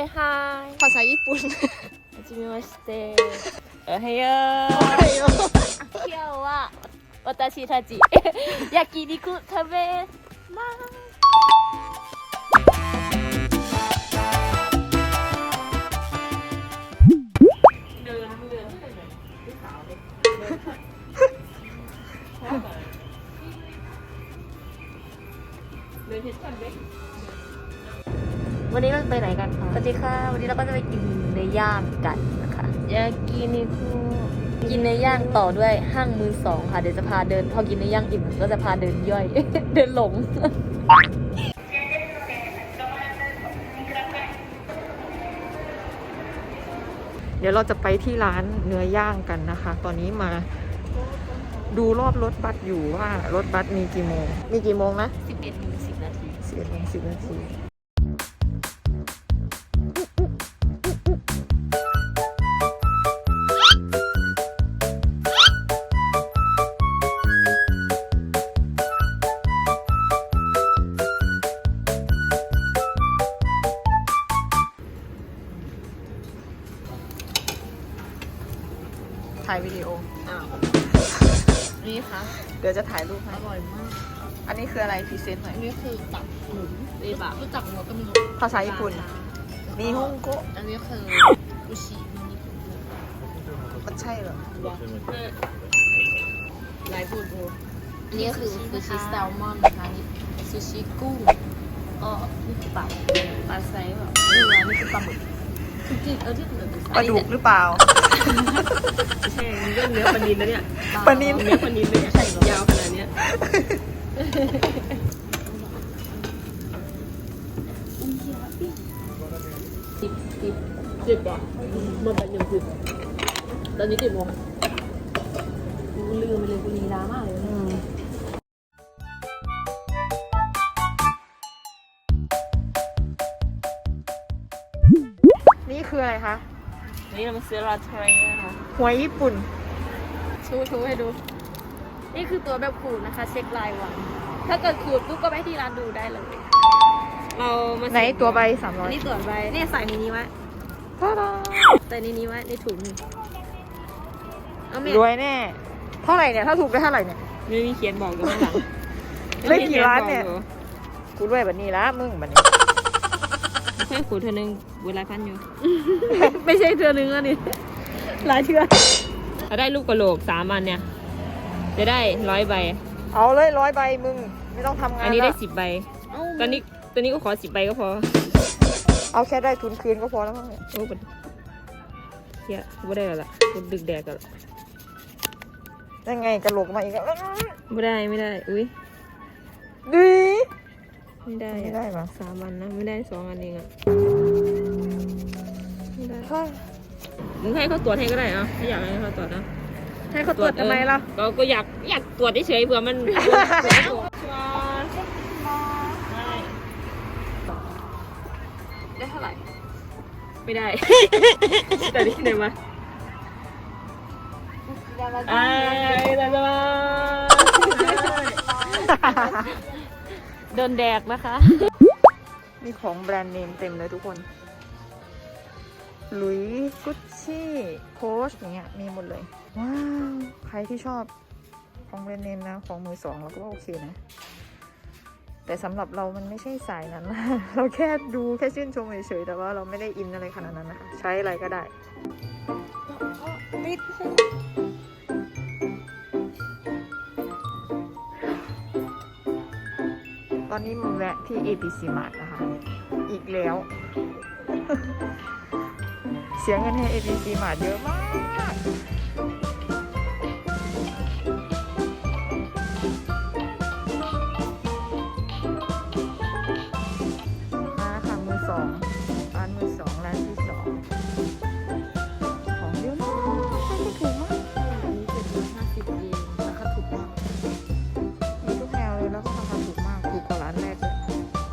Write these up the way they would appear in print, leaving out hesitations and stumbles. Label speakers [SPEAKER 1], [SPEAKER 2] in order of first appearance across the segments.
[SPEAKER 1] ฮายภาษาญี่ปุ่นはじめましておはよう今日は私たち焼肉食べますวันนี้เราไปไหนกันคะสวัสดีค่ะวันนี้เราก็จะไปกินเนื้อย่างกันนะคะยากินิคุกินเนื้อย่างต่อด้วยห้างมือสองค่ะเดี๋ยวจะพาเดินพอกินเนื้อย่างอิ่มก็จะพาเดินย่อย เดินหลงเดี๋ยวเราจะไปที่ร้านเนื้อย่างกันนะคะตอนนี้มาดูรอบรถบัสอยู่ว่ารถบัสมีกี่โมงนะ11:10 นาที11:10 นาทีถ่ายวิดีโอนี่ค่ะเดี๋ยวจะถ่ายรูปให้อร่อยมากอันนี้คืออะไรพรีเซนต์หน่อยนี่คือตับหมูเอบะรู้จักหัวก็มีภาษาญี่ปุ่นมีฮงโกะอันนี้คืออุชิมันใช่เหรอลายพูดอันนี้คือซูชิแซลมอนนะคะนี่ซูชิกุ้งนี่คือปลาไซส์แบบนี่คือปลาหมึกที่ปลาดุกหรือเปล่าไม่ใช่เรื่องเนื้อปลานิลนะเนี่ยปลานิลเนื้อปลานิลไม่ใช่ยาวขนาดนี้10 บาทมันเป็น10ตอนนี้10 โมงลืมไปเลยกูนีร้ามากเลยนี่คืออะไรคะนี่เรามาซื้อลาเทรนะคะหัวญี่ปุ่นชูให้ดูนี่คือตัวแบบขูดนะคะเช็คลายวันถ้าเกิดขูดปุ๊บก็ไปที่ร้านดูได้เลยเรามาไหนตัวใบ300นี่ตัวใบเนี่ยใส่ในนี้ไว้ใส่ในนี้ไว้ในถุงรวยแน่เท่าไหร่เนี่ยถ้าถูกได้เท่าไหร่เนี่ยไม่มีเขียนบอกอยู่ข้างหลังได้กี่ล้านเนี่ยกูรวยแบบนี้ละมึงแบบนี้แค่ขูดเธอนึงเวลาพันอยู่ ไม่ใช่เธอนึงอ่ะนี่หลายเทื่อถ้าได้ลูกกระโหลก3 อันเนี่ยจะได้100 ใบเอาเลย100 ใบมึงไม่ต้องทำงานอันนี้ได้10 ใบตอนนี้ก็ขอ10 ใบก็พอเอาแค่ได้ทุนคืนก็พอแล้วมั้งเนี่ยโอ้โหเฮียไม่ได้แล้วล่ะคุณดึกแดกกันยังไงกระโหลกมาอีกแล้วไม่ได้อุ้ยดีไม่ได้ปะ3 อันนะไม่ได้2 อันเองอะไม่ได้มึงให้เขาตรวจให้ก็ได้อะไม่อยากให้เขาตรวจนะให้เขาตรวจทำไมล่ะก็อยากตรวจเฉยๆเผื่อมันได้เท่าไหร่ไม่ได้แต่นี่ไหนมาเดินแดกนะคะมีของแบรนด์เนมเต็มเลยทุกคนหลุยส์กุชชี่โค้ชอย่างเงี้ยมีหมดเลยว้าวใครที่ชอบของแบรนด์เนมนะของมือสองเราก็โอเคนะแต่สำหรับเรามันไม่ใช่สายนั้นเราแค่ดูแค่ชื่นชมเฉยๆแต่ว่าเราไม่ได้อินอะไรขนาดนั้นนะคะใช้อะไรก็ได้นิดตอนนี้มันแวะที่ APC Mart นะคะอีกแล้ว เสียเงินให้ APC Mart เยอะมากมาค่ะมือสองร้านมือสองร้านที่2ของเยอะมากราคาถูกมากอันนี้750 เยนราคาถูกมากมีทุกแนวเลยแล้วก็ราคาถูกมากถูกกว่าร้านแรกเลย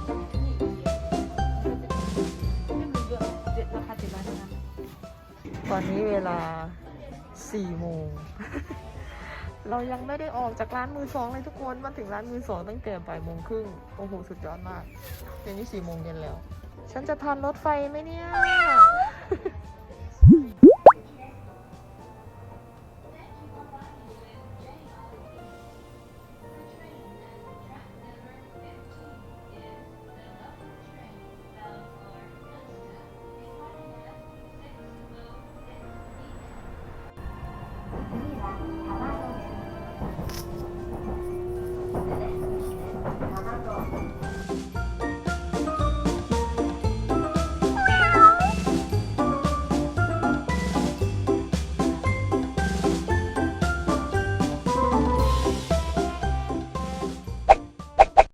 [SPEAKER 1] ตอนนี้เวลา4 โมง เรายังไม่ได้ออกจากร้านมือสองเลยทุกคนมาถึงร้านมือสองตั้งแต่บ่าย 1:30 โอ้โหสุดยอดมากเดี๋ยวนี้4 โมงเย็นแล้วฉันจะทันรถไฟไหมเนี่ย